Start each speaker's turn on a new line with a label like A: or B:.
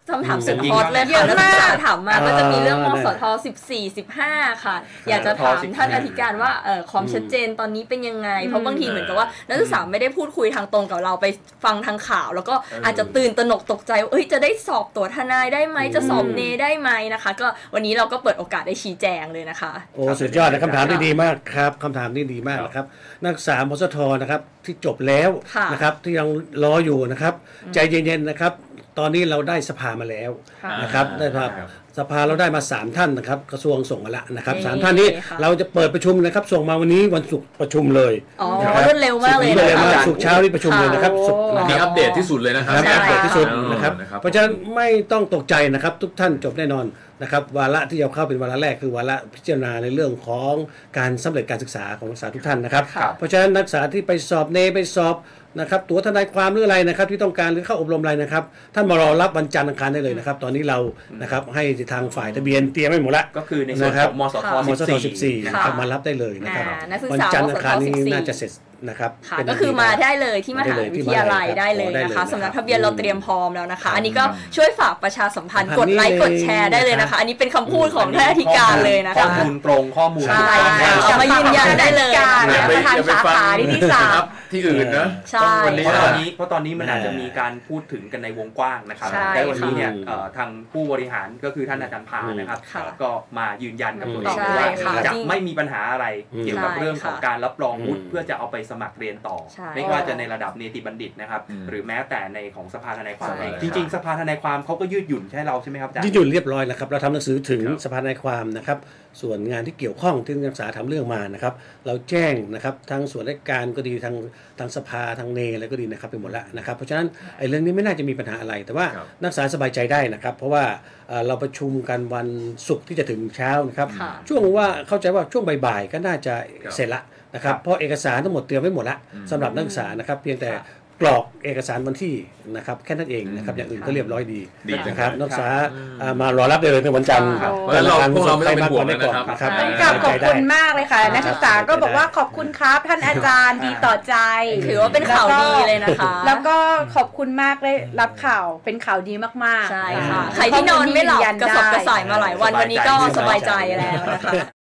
A: คำถามสุดฮอตเลยค่ะนักศึกษาถามมาก็จะมีเรื่องมสท14-15ค่ะอยากจะถามท่านอธิการว่าความชัดเจนตอนนี้เป็นยังไงเพราะบางทีเหมือนกับว่านักศึกษาไม่ได้พูดคุยทางตรงกับเราไปฟังทางข่าวแล้วก็อาจจะตื่นตระหนกตกใจจะได้สอบตัวทนายได้ไหมจะสอบเนได้ไหมนะคะก็วันนี้เราก็เปิดโอกาสได้ชี้แจงเลยนะคะ
B: โอ้สุดยอดนะคำถามที่ดีมากครับคำถามที่ดีมากนะครับนักศึกษามสทนะครับที่จบแล้วนะครับที่ยังรออยู่นะครับใจเย็นๆนะครับตอนนี้เราได้สภามาแล้วนะครับได้สภาเราได้มา3ท่านนะครับกระทรวงส่งมาแล้วนะครับ3ท่านนี้เราจะเปิดประชุมนะครับส่งมาวันนี้วันศุกร์ประชุมเลย
A: รวดเร็วมากเลย
B: ศุกร์เช้านี้ประชุมเลยนะครับศุกร์
C: นี่อัปเดตที่สุดเลยนะครับ
B: อัปเดตที่สุดนะครับเพราะฉะนั้นไม่ต้องตกใจนะครับทุกท่านจบแน่นอนนะครับวาระที่จะเข้าเป็นวาระแรกคือวาระพิจารณาในเรื่องของการสำเร็จการศึกษาของนักศึกษาทุกท่านนะครับเพราะฉะนั้นนักศึกษาที่ไปสอบเนไปสอบนะครับตัวทนายความหรืออะไรนะครับที่ต้องการหรือเข้าอบรมอะไรนะครับท่านมารอรับวันจันทร์อังคารได้เลยนะครับตอนนี้เรานะครับให้ทางฝ่ายทะเบียนเตรียมไว้หมดแล้ว
D: ก็คือในส่วนของมสท
B: 14นะครับมารับได้เลยนะครับวันจันทร์อังคารนี้น่าจะเสร็จนะครับ
A: ก็คือมาได้เลยที่มหาวิทยาลัยได้เลยนะคะสำนักทะเบียนเราเตรียมพร้อมแล้วนะคะอันนี้ก็ช่วยฝากประชาสัมพันธ์กดไลค์กดแชร์ได้เลยนะคะอันนี้เป็นคำพูดของท่านอธิการเลยนะคะ
D: ข้อมูลตรงข้อมูล
A: เอามายืนยันได้เลย
C: ประธานสาขาที่3ที่อื่นนะ
A: ใช่
D: เพราะตอนนี้มันอาจจะมีการพูดถึงกันในวงกว้างนะครับแต่วันนี้เนี่ยทางผู้บริหารก็คือท่านอาจารย์พานะครับก็มายืนยันกับตัวเองว่าจะไม่มีปัญหาอะไรเกี่ยวกับเรื่องของการรับรองวุฒิเพื่อจะเอาไปสมัครเรียนต่อไม่ว่าจะในระดับเนติบัณฑิตนะครับหรือแม้แต่ในของสภาทนายความจริงๆสภาทนายความเขาก็ยืดหยุ่นใช่เราใช่ไหมครับอาจารย์
B: ยืดหยุ่นเรียบร้อยแล้วครับเราทำหนังสือถึงสภาทนายความนะครับส่วนงานที่เกี่ยวข้องที่นักศึกษาทำเรื่องมานะครับเราแจ้งนะครับทางส่วนราชการก็ดีทางสภาทางเนอะไรก็ดีนะครับไปหมดแล้วนะครับเพราะฉะนั้นไอ้เรื่องนี้ไม่น่าจะมีปัญหาอะไรแต่ว่านักศึกษาสบายใจได้นะครับเพราะว่าเราประชุมกันวันศุกร์ที่จะถึงเช้านะครับช่วงว่าเข้าใจว่าช่วงบ่ายๆก็น่าจะเสร็จละนะครับเพราะเอกสารทั้งหมดเตรียมไว้หมดแล้วสำหรับนักศึกษานะครับเพียงแต่กรอกเอกสารวันที่นะครับแค่นั้นเองนะครับอย่างอื่นก็เรียบร้อยดีนะครับนักศึกษามารอรับได้เลยในวันจันทร์
C: พวกเราไม่ต้องเป็นห่วงนะครับ
E: ขอบคุณมากเลยค่ะนักศึกษาก็บอกว่าขอบคุณครับท่านอาจารย์ดีต่อใจ
A: ถือว่าเป็นข่าวดีเลยนะคะ
E: แล้วก็ขอบคุณมากเลยรับข่าวเป็นข่าวดีมากๆ
A: ใช่ค่ะใครที่นอนไม่หลับกระสับกระส่ายมาหลายวันวันนี้ก็สบายใจแล้วนะคะ